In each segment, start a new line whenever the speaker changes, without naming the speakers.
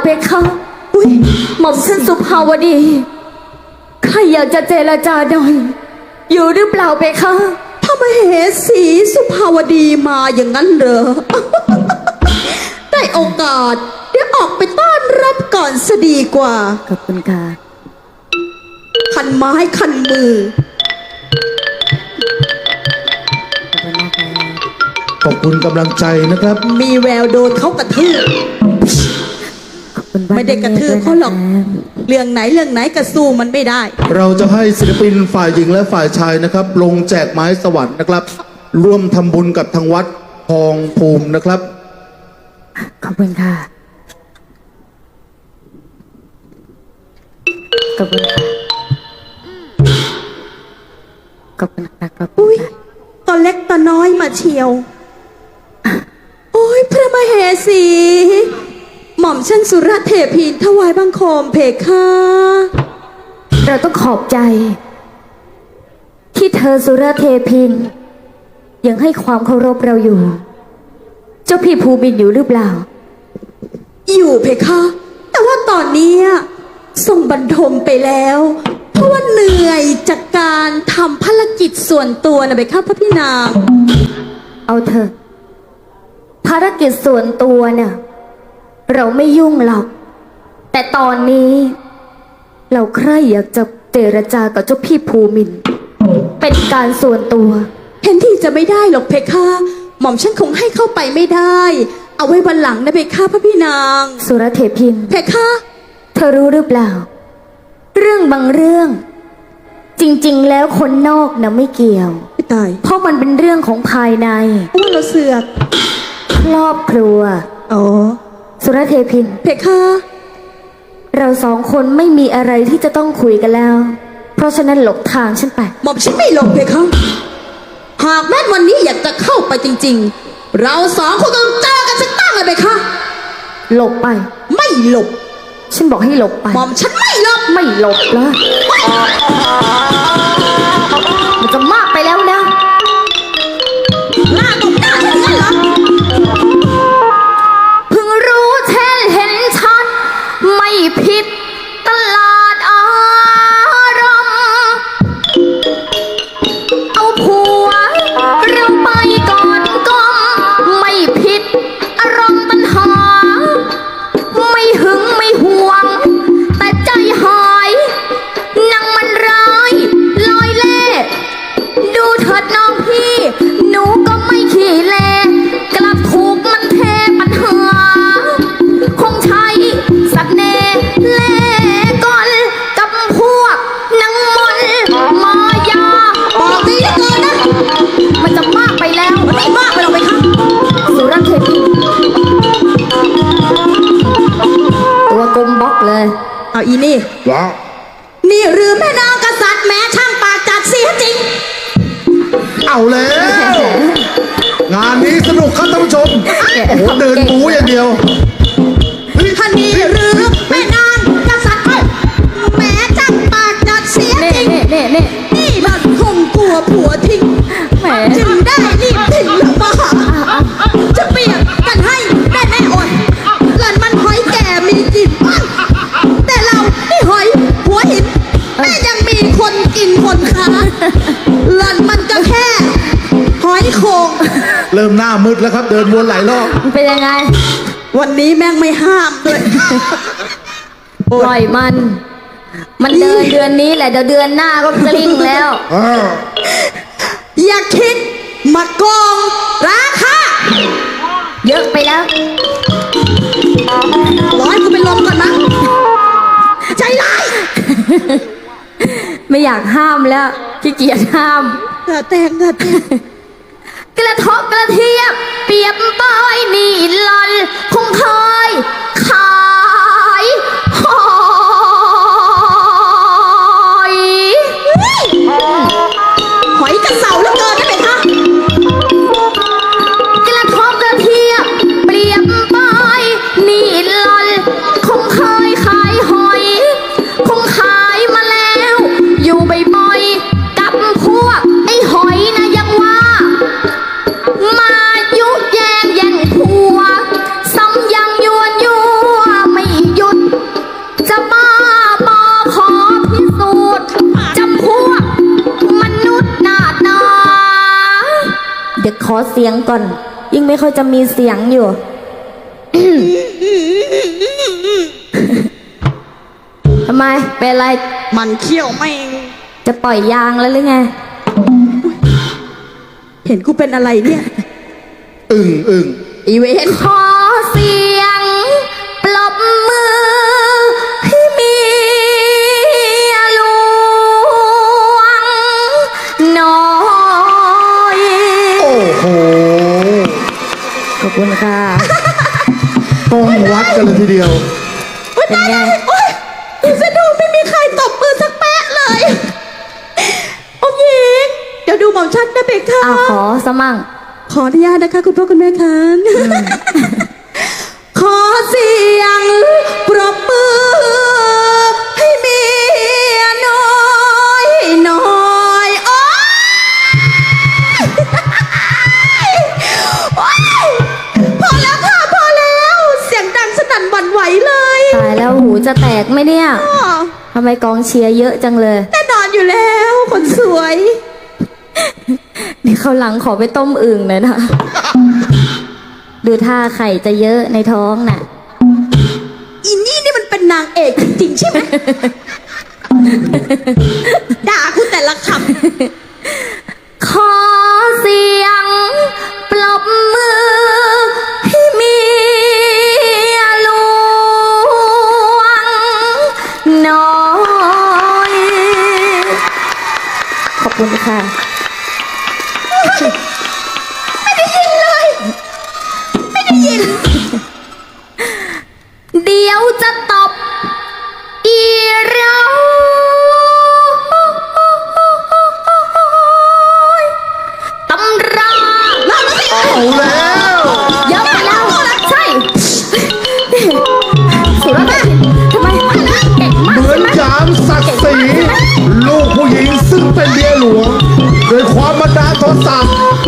เพคะหม่อมฉันสุภาวดีใครอยากจะเจรจาหน่อยอยู่หรือเปล่าเพคะ
พระมเหสีสุภาวดีมาอย่างนั้นเหรอ ได้โอกาสเดี๋ยวออกไปต้อนรับก่อนซะดีกว่า
ขอบคุณค่ะ
คันไม้คันมือ
ขอบคุณกำลังใจนะครับ
มีแววโดนเขากระทืบไม่ได้กระทืบเขาหรอกเรื่องไหนกระสู้มันไม่ได้
เราจะให้ศิลปินฝ่ายหญิงและฝ่ายชายนะครับลงแจกไม้สวรรค์นะครับร่วมทำบุญกับทางวัดทองภูมินะครับ
ขอบคุณค่ะขอบคุณค่ะขอบคุณค่ะขอบคุณค่ะ
ตัวเล็กตัวน้อยมาเชียวโอ้ยพระมเหสีหม่อมฉันสุรเทพีถวายบังคมเพคะ
เราต้องขอบใจที่เธอสุรเทพินยังให้ความเคารพเราอยู่เจ้าพี่ภูมินอยู่หรือเปล่า
อยู่เพคะแต่ว่าตอนนี้ทรงบรรทมไปแล้วเพราะว่าเหนื่อยจากการทำภารกิจส่วนตัวนะเพคะพระพี่นาง
เอาเถอะภารกิจส่วนตัวเนี่ยเราไม่ยุ่งหรอกแต่ตอนนี้เราใคร่อยากจะเจรจากับเจ้าพี่ภูมินเป็นการส่วนตัว
เห็นที่จะไม่ได้หรอกเพคะหม่อมฉันคงให้เข้าไปไม่ได้เอาไว้วันหลังนะเพคะพระพี่นาง
สุรเทพิน
เพคะ
เธอรู้หรือเปล่าเรื่องบางเรื่องจริงๆแล้วคนนอกนะไม่เกี่ยว
ไม่ตาย
เพราะมันเป็นเรื่องของภายใน
ว่าเราเสือก
ครอบครัว
อ๋อ
สุรเทพิน
เพคะ
เราสองคนไม่มีอะไรที่จะต้องคุยกันแล้วเพราะฉะนั้นหลบทางฉันไป
หม่อมฉันไม่หลบเพคะหากแม้วันนี้อยากจะเข้าไปจริงๆเราสองคนต้องเจอกันสักตั้งเลยเพคะ
หลบไป
ไม่หลบ
ฉันบอกให้หลบไป
หม่อมฉันไม่หลบ
ไม่หลบแล้วมันจะมากไปแล้วนะ
หน้าตบหน้าฉันงั้นเหรอ
เพิ่งรู้แท้เห็นชัดไม่ผิดตลาดอารมณ์เอาผัวเราไปก่อนก้มไม่ผิดอารมณ์ปัญหาไม่หึงไม่ห่วงแต่ใจหายนางมันร้ายลอยเล่ดูเถิดน้องพี่หนูก็ไม่ขี้เล่กลับถูกมันเทปัญหาคงใช้สักเน่เล่ก่อนกับพวกนางมนมายา
บอกดีเหลือเกินนะ
มันจะมากไปแล้ว
มันไม่มากไปหรอกไหมคะ
สุรเทพีตัวกลมบล็อกเลย
เอาอีนี่
ว้าว
นี่หรือแม่นางกษัตริย์แม้ช่างปากจัดเสียจริง
เอาแล้วงานนี้สนุกครับท่านผู้ชมโอ้โหเดินบูอย่างเดียว
ท่านนี่หรือแม่นางกษัตริย์แม้ช่างปากจัดเสียจริงนี่หล่อนคงกลัวผัวทิ้งจึงได้รีบทิ้งหรือเปล่าจะเปรียบกันให้ได้แม่อ่อนหล่อนมันหอยแก่มีกลิ่นแต่เรานี่หอยหัวหินแม่ยังมีคนกินคนค้าหล่อนมันก็แค่หอยโขง
เริ่มหน้ามืดแล้วครับเดินวนหลายรอบ
เป็นยังไง
วันนี้แม่งไม่ห้ามเลย
ปล่อยมันเดินเดือนนี้แหละเดี๋ยวเดือนหน้าก็กลิ้งแล้ว
อย่าคิดมาโกงราคา
เยอะไปแล้ว
ร้อยกูไปลมก่อนนะใจร้าย
ไม่อยากห้ามแล้วขี้เกียจห้าม
เกิดแต่ง
กระทบกระเทียบเปรียบปอยนี่หล่อนคงเคยขายห
อยกระเสาแล้วเกินได้ไหมคะ
กระทบกระเทียบเปรียบปอยนี่หล่อนคงเคยขายหอยคงขายมาแล้วอยู่บ่อยๆกับพวกไอ้หอยนะยังว่ามายุแยงผัวซ้ำยังยวนยั่วไม่อเสียงก่อน ยิ่งไม่ค่อยจะมีเสียงอยู่ ทำไมเป็นอะไร
มันเขี้ยวไม่ง
จะปล่อยยางแล้วหรือไง
เห็นกูเป็นอะไรเนี่ย
อึ่ง
อีเวน
ขอเสียงปรบมือให้เมียหลวงหน่อย
โอ้โห
ขอบคุณค่ะ
ต้องวัดกันเลยทีเดียว
เป็นไง
โอ๊ยจะดูไม่มีใครตบมือสักแปะเลยองค์หญิงเดี๋ยวดูหม่อมชัดนะเบกค่ะ
อ้าวขอสมั่ง
ขออนุญาตนะคะคุณพ่อคุณแม่คะขอเสียงปรบมือให้เมียน้อยหน่อยโอ๊ยโอ๊ยพอแล้วค่ะพอแล้วเสียงดังสนั่นหวั่นไหวเลย
ตายแล้วหูจะแตกไหมเนี่ย
อ้อ
ทำไมกองเชียร์เยอะจังเลย
แน่นอนอยู่แล้วคนสวย
เดี๋ยวเขาวหลังขอไปต้มอึ่งหน่อยนะ ดูท่าไข่จะเยอะในท้องน่ะ
อีนี่มันเป็นนางเอกจริงๆใช่ไหม ด่าคุณแต่ละค
ขอเสียงปรบมือให้เมียหลวงหน่อย ขอบคุณค่ะ
ำไม่ได้ยินเลย ไม่ได้ยิน
เดี๋ยวจะตบอีเราตำรา
เอาแล้ว
เยอะไปแล้ว ใช่สุรนารีทำไมเก่งมาก
เหมือนยามศักดิ์ศรีลูกผู้หญิงซึ่งเป็นเมียหลวงโดยความบันดาลโทสะ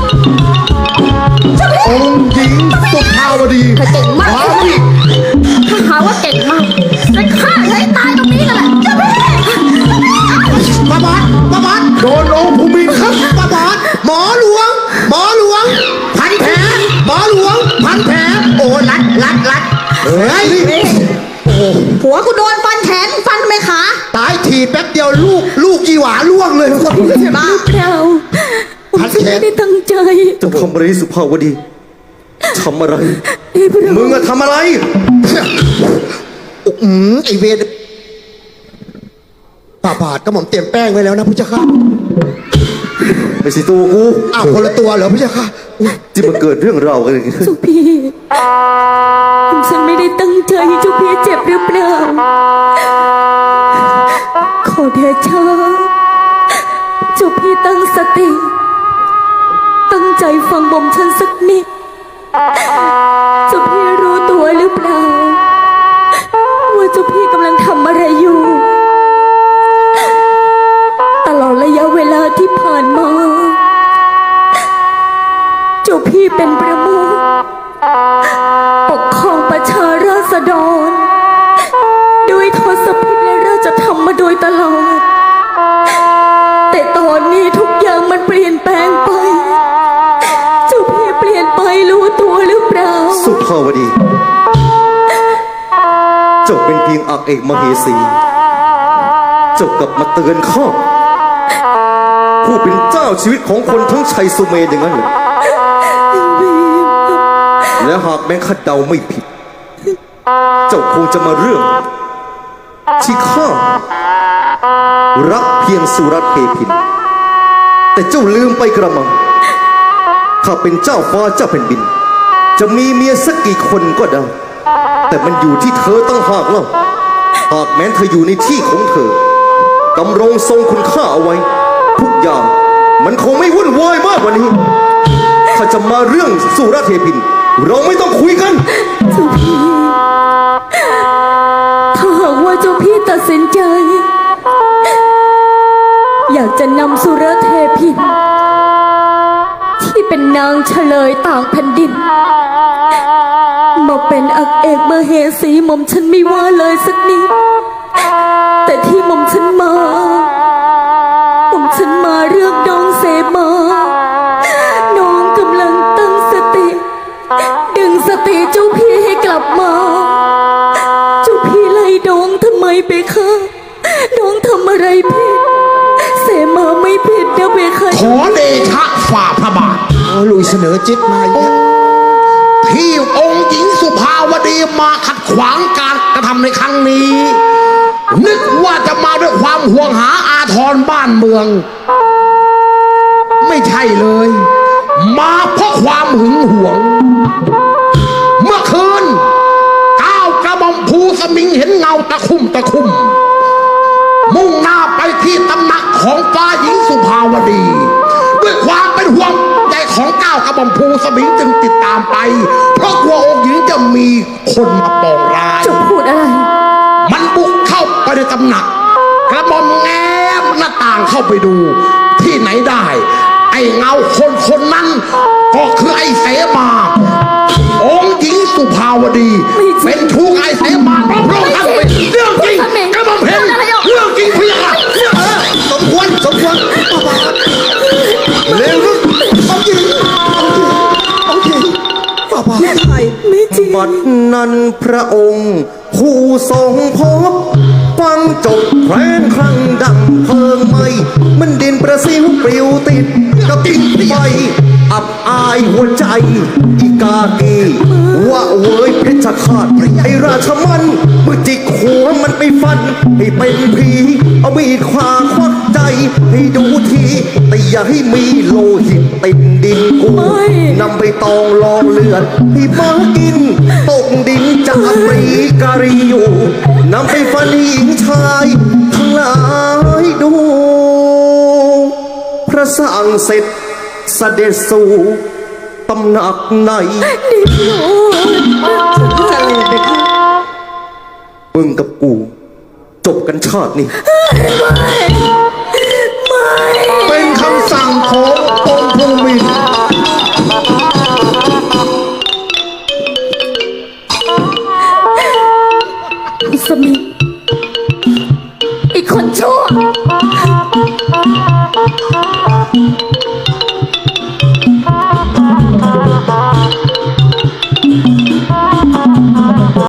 องค์หญิงสุภาวดี
เธอเก่งมาก
ว้าวอีก
ถ้าหาว่าเก่งมากจะฆ่าเธอให้ตายตรงนี้กันแหละเจ้าพี่
ป้าบอส
โดนองค์ภูมินครับ
ป้าบอสหมอหลวง พันแผลหมอหลวง พันแผลโอ้รัดเฮ้ยโอ้
ผัวกูโดนฟันแขนฟันทำไมขา
ตายทีแป๊บเดียวลูกยีหวาล่วงเลย
บ้า
เราผมจะไม่ได้ตั้งใจ
จะทำอะไรสุภาวดีทำอะไร
ให้พระ
มึงอะทำอะไร
ไอเวรป้าบาทก็หม่อมเตรียมแป้งไว้แล้วนะพุทธเจ้าค่ะ
ไม่ใช่ตัวกู
อ้าวคนละตัวเหรอพุทธเจ้าค่ะอุ๊ย
ที่มาเกิดเรื่องราวกันอย่างนี้
เจ้าพี่ผมฉันไม่ได้ตั้งใจให้เจ้าพี่เจ็บหรือเปล่าขอเดชะเจ้าพี่ตั้งสติ ตั้งใจฟังบ่มฉันสักนิดเจ้าพี่รู้ตัวหรือเปล่าว่าเจ้าพี่กำลังทำอะไรอยู่ ตลอดระยะเวลาที่ผ่านมา เจ้าพี่เป็นประมุขปกครองประชาราษฎรด้วยทศพิธและราชธรรมมาโดยตลอด แต่ตอนนี้ทุกอย่างมันเปลี่ยนแปลงไป เจ้าพี่เปลี่ยนไปรู้ตัวหรือเปล่า
สุภาวดี เจ้าเป็นเพียงอักเอกมเหสี เจ้ากลับมาเตือนข้าผู้เป็นเจ้าชีวิตของคนทั้งชัยสุเมนอย่างนั้นเหรอและหากแม้ข้าเดาไม่ผิด เจ้าคงจะมาเรื่อง ที่ข้ารักเพียงสุรเทพิน แต่เจ้าลืมไปกระมังข้าเป็นเจ้าฟ้าเจ้าแผ่นดิน จะมีเมียสักกี่คนก็ได้ แต่มันอยู่ที่เธอตั้งหากเล่าหากแม้นเธออยู่ในที่ของเธอดำรงทรงคุณค่าเอาไว้ ทุกอย่างมันคงไม่วุ่นวายมากกว่านี้ ถ้าจะมาเรื่องสุรเทพิน เราไม่ต้องคุยกัน
เจ้าพี่ถ้าหากว่าเจ้าพี่ตัดสินใจ อยากจะนำสุรเทพิน ที่เป็นนางเฉลยต่างแผ่นดิน มาเป็นอักเอกมเหสีหม่อมฉันไม่ว่าเลยสักนิด แต่ที่หม่อมฉันมาเรื่องน้องเสมาน้องกำลัง
ลุยเสนอจิ๊บมาอีกแล้ว
ที่องค์หญิงสุภาวดีมาขัดขวางการกระทำในครั้งนี้ นึกว่าจะมาด้วยความห่วงหาอาทรบ้านเมือง ไม่ใช่เลย มาเพราะความหึงหวง เมื่อคืนก้าวกระหม่อมภูสมิงเห็นเงาตะคุ่มตะคุ่ม มุ่งหน้าไปที่ตำหนักของฟ้าหญิงสุภาวดี ด้วยความเป็นห่วงใจของก้าวกระหม่อมภูสมิงจึงติดตามไป เพราะกลัวองค์หญิงจะมีคนมาปองร้าย
จะพูดอะไร
มันบุกเข้าไปในตำหนัก กระหม่อมแง้มหน้าต่างเข้าไปดู ที่ไหนได้ ไอ้เงาคนนั้นก็คือไอ้เสมา องค์หญิงสุภาวดี เป็นชู้ไอ้เสมาพระองค์ท่านเป็นเรื่องจริงกระหม่อมเห็นเรื่องจริงพี่ค่ะ
สมควรเร็วลูกเอาจริงป้าป้า
บัดนั้นพระองค์ผู้ทรงพบฟังจบแคว้นครั้งดังเพลิงไหมมันดินประสิวปลิวติดกับกิ่งไฟอับอายหัวใจอีกากีว่าเว้ยเพชรฆาตไอราชมันมือจิกหัวมันไปฟันให้เป็นผีเอามีดขวาควักใจให้ดูทีแต่อย่าให้มีโลหิตติดดินกูนำไปตองลองเลือดให้มากินตกดินจากปรีการีอยู่นำไปฟันหญิงชายทั้งหลายดู พระสั่งเสร็จเสด็จสู่ตำหนักไหนมึงกับกูจบกันชาตินี้